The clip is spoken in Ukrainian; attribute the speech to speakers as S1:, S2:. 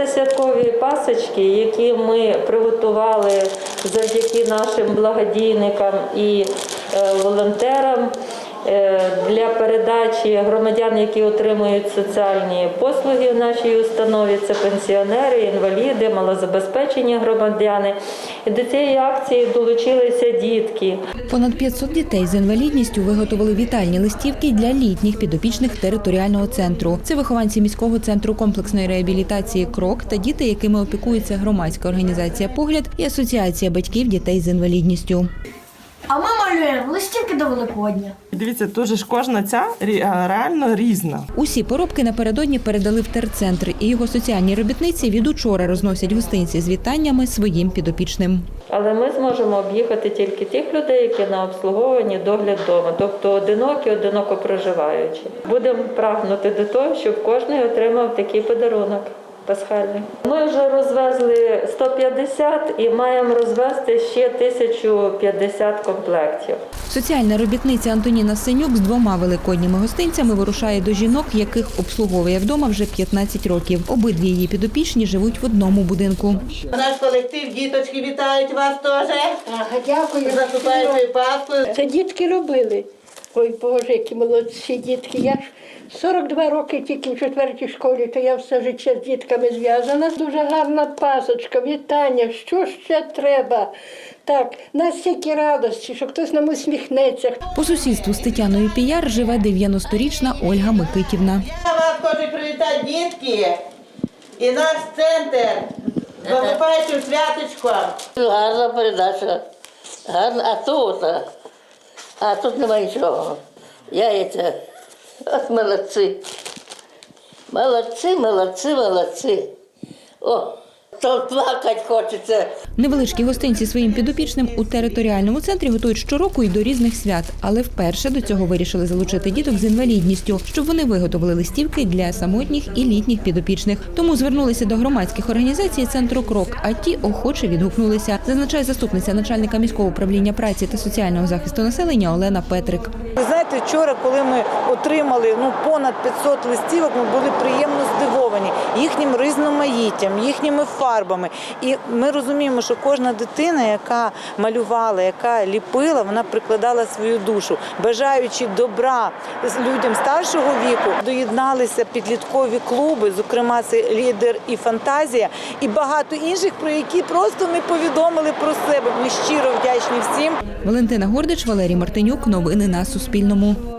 S1: Це святкові пасочки, які ми приготували завдяки нашим благодійникам і волонтерам для передачі громадян, які отримують соціальні послуги в нашій установі. Це пенсіонери, інваліди, малозабезпечені громадяни. І до цієї акції долучилися дітки.
S2: Понад 500 дітей з інвалідністю виготовили вітальні листівки для літніх підопічних територіального центру. Це вихованці міського центру комплексної реабілітації «Крок» та діти, якими опікується громадська організація «Погляд» і Асоціація батьків дітей з інвалідністю.
S3: А ми малюємо листівки до Великодня.
S4: Дивіться, дуже ж кожна ця реально різна.
S2: Усі поробки напередодні передали в терцентр, і його соціальні робітниці від учора розносять гостинці з вітаннями своїм підопічним.
S1: Але ми зможемо об'їхати тільки тих людей, які на обслуговуванні догляд вдома, тобто одинокі, одиноко проживаючі. Будемо прагнути до того, щоб кожен отримав такий подарунок пасхальний. Ми вже розвезли 150 і маємо розвезти ще 1050 комплектів.
S2: Соціальна робітниця Антоніна Синюк з 2 великодніми гостинцями вирушає до жінок, яких обслуговує вдома вже 15 років. Обидві її підопічні живуть в одному будинку.
S5: Наш колектив, діточки, вітають вас теж.
S3: Дякую.
S5: Заступаючи Пасху.
S6: Це дітки робили. Ой, Боже, які молодці дітки. Я ж 42 роки тільки в 4-й школі, то я все життя з дітками зв'язана. Дуже гарна пасочка, вітання, що ще треба. Так, настільки радості, що хтось нам усміхнеться.
S2: По сусідству з Тетяною Піяр живе 90-річна Ольга Микитівна.
S5: Вас хочуть привітати дітки і наш центр. Заступаючи святочком.
S7: Гарна передача. Гарна. А тут немає нічого. Яйця. От молодці. Молодці. О, то плакать хочеться.
S2: Невеличкі гостинці своїм підопічним у територіальному центрі готують щороку і до різних свят. Але вперше до цього вирішили залучити діток з інвалідністю, щоб вони виготовили листівки для самотніх і літніх підопічних. Тому звернулися до громадських організацій центру «Крок», а ті охоче відгукнулися, зазначає заступниця начальника міського управління праці та соціального захисту населення Олена Петрик.
S8: Ви знаєте, вчора, коли ми отримали понад 500 листівок, ми були приємно здивовані їхнім різноманіттям, їхніми фарбами. І ми розуміємо, що кожна дитина, яка малювала, яка ліпила, вона прикладала свою душу. Бажаючи добра людям старшого віку, доєдналися підліткові клуби, зокрема це «Лідер» і «Фантазія», і багато інших, про які просто ми повідомили про себе. Ми щиро вдячні всім.
S2: Валентина Гордич, Валерій Мартинюк. Новини на Суспільному.